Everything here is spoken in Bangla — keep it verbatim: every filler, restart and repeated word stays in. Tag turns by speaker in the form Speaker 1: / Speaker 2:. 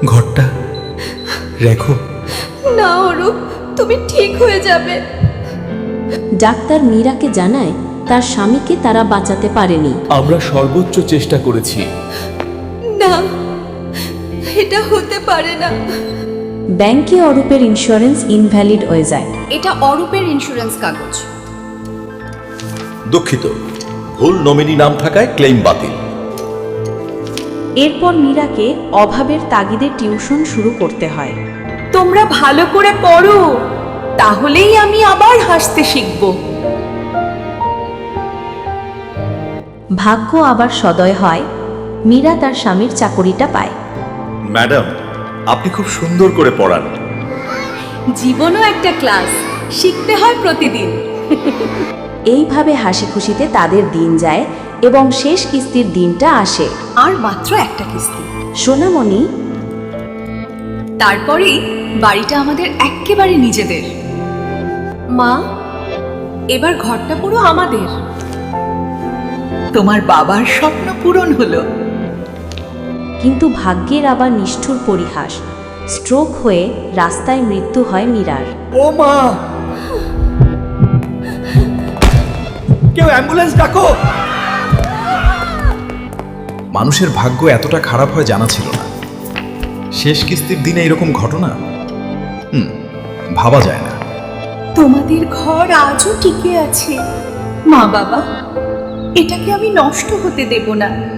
Speaker 1: ঘরটা রেখো।
Speaker 2: না অরূপ, তুমি ঠিক হয়ে যাবে।
Speaker 3: ডাক্তার মীরাকে জানায় তার স্বামীকে তারা বাঁচাতে পারেনি।
Speaker 1: আমরা সর্বোচ্চ চেষ্টা করেছি।
Speaker 2: না, এটা হতে পারে না।
Speaker 3: ব্যাংকে অরূপের ইন্স্যুরেন্স ইনভ্যালিড হয়ে যায়।
Speaker 2: এটা অরূপের ইন্স্যুরেন্স কাগজ।
Speaker 4: দুঃখিত, ভুল নমিনি নাম থাকায় ক্লেম বাতিল।
Speaker 3: এরপর মীরাকে অভাবের তাগিদে টিউশন শুরু করতে হয়।
Speaker 5: তোমরা ভালো করে পড়ো, তাহলেই আমি আবার হাসতে শিখব।
Speaker 3: ভাগ্য আবার সদয় হয়, মীরা তার স্বামীর চাকরিটা পায়।
Speaker 4: ম্যাডাম, আপনি খুব সুন্দর করে পড়ান।
Speaker 5: জীবনও একটা ক্লাস, শিখতে হয় প্রতিদিন।
Speaker 3: এইভাবে হাসি খুশিতে তাদের দিন যায় এবং শেষ কিস্তির দিনটা আসে।
Speaker 5: আর মাত্র একটা কিস্তি,
Speaker 3: সোনামণি
Speaker 5: তারপরেই বাড়িটা আমাদের এক্কেবারে নিজেদের। মা, এবার ঘরটা পুরো আমাদের। তোমার বাবার স্বপ্ন পূরণ হলো।
Speaker 3: কিন্তু ভাগ্যের আবার নিষ্ঠুর পরিহাস, স্ট্রোক হয়ে রাস্তায় মৃত্যু হয় মীরার।
Speaker 1: ও মা, কেউ অ্যাম্বুলেন্স ডাকো। মানুষের ভাগ্য এতটা খারাপ হয় জানা ছিল না। শেষ কিস্তির দিনে এরকম ঘটনা, হুম ভাবা যায় না।
Speaker 5: তোমাদের ঘর আজও টিকে আছে। মা বাবা, এটাকে আমি নষ্ট হতে দেব না।